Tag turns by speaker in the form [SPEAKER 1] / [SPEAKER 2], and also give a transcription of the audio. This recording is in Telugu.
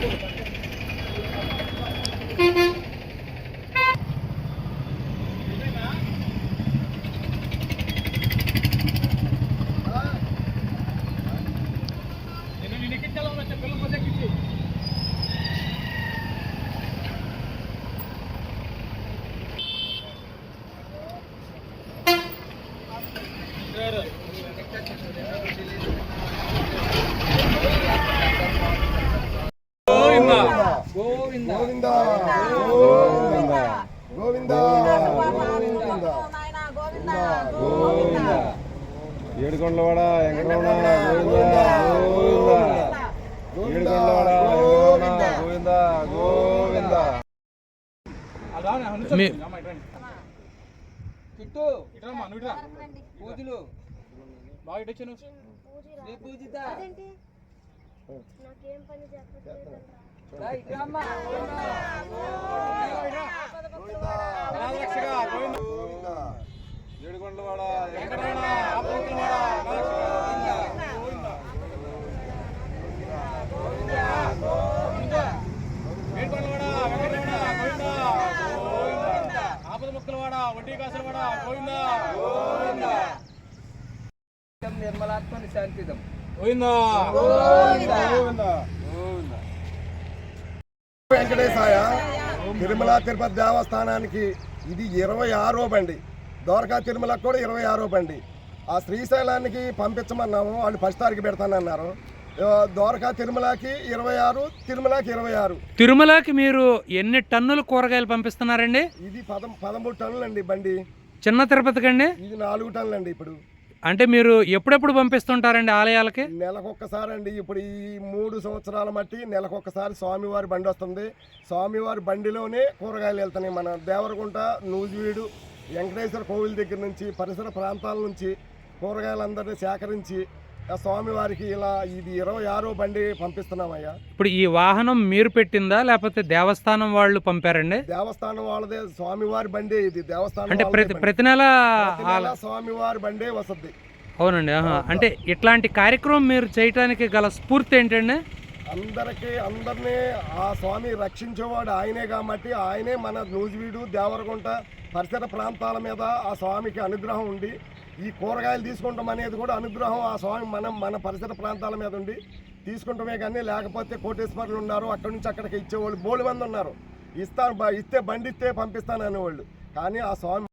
[SPEAKER 1] ఏడుకొండలవాడ వెంకటరమణ గోవింద గోవింద గోవింద
[SPEAKER 2] పూజలు బాగా ఇటొచ్చాను పూజిత
[SPEAKER 1] ఏడుకొండలవాడ ఆపద ముక్కలవాడ వడ్డీ కాసులవాడ గోవింద
[SPEAKER 2] నిర్మలాత్మ శాంతిదం
[SPEAKER 3] వెంకటేశాయ తిరుమల తిరుపతి దేవస్థానానికి ఇది 26వ బండి. ద్వారకా తిరుమలకు కూడా 26వ బండి. ఆ శ్రీశైలానికి పంపించమన్నాము, వాళ్ళు 10 తారీఖు పెడతానన్నారు. ద్వారకా తిరుమలకి 26, తిరుమలకి 26.
[SPEAKER 4] తిరుమలకి మీరు ఎన్ని టన్నులు కూరగాయలు పంపిస్తున్నారండి?
[SPEAKER 3] ఇది 13 టన్నులు అండి బండి.
[SPEAKER 4] చిన్న తిరుపతికి అండి
[SPEAKER 3] ఇది 4 టన్నులు అండి. ఇప్పుడు
[SPEAKER 4] అంటే మీరు ఎప్పుడెప్పుడు పంపిస్తుంటారండి ఆలయాలకి?
[SPEAKER 3] నెలకొక్కసారి అండి. ఇప్పుడు ఈ 3 సంవత్సరాల మట్టి నెలకొక్కసారి స్వామివారి బండి వస్తుంది. స్వామివారి బండిలోనే కూరగాయలు వెళ్తున్నాయి. మన దేవరగుంట, నూజివీడు, వెంకటేశ్వర కోవిల్ దగ్గర నుంచి పరిసర ప్రాంతాల నుంచి కూరగాయలందరినీ సేకరించి ఆ స్వామివారికి ఇలా ఇది 26వ బండి పంపిస్తున్నామయ్యా.
[SPEAKER 4] ఇప్పుడు ఈ వాహనం మీరు పెట్టిందా లేకపోతే దేవస్థానం వాళ్ళు పంపారండి?
[SPEAKER 3] దేవస్థానం వాళ్ళదే, స్వామివారి బండి ఇది. దేవస్థానం
[SPEAKER 4] అంటే ప్రతి నెల
[SPEAKER 3] స్వామివారి బండే వస్తుంది.
[SPEAKER 4] అవునండి. అంటే ఇట్లాంటి కార్యక్రమం మీరు చేయడానికి గల స్ఫూర్తి ఏంటండి?
[SPEAKER 3] అందరినీ ఆ స్వామి రక్షించేవాడు ఆయనే కాబట్టి ఆయనే మన నూజివీడు, దేవరగుంట పరిసర ప్రాంతాల మీద ఆ స్వామికి అనుగ్రహం ఉండి ఈ కూరగాయలు తీసుకుంటాం అనేది కూడా అనుగ్రహం ఆ స్వామి మన పరిసర ప్రాంతాల మీద ఉండి తీసుకుంటామే. కానీ లేకపోతే కోటేశ్వరులు ఉన్నారు, అక్కడి నుంచి అక్కడికి ఇచ్చేవాళ్ళు బోల్డ్ మంది ఉన్నారు. ఇస్తే బండి ఇస్తే పంపిస్తాను అనేవాళ్ళు. కానీ ఆ స్వామి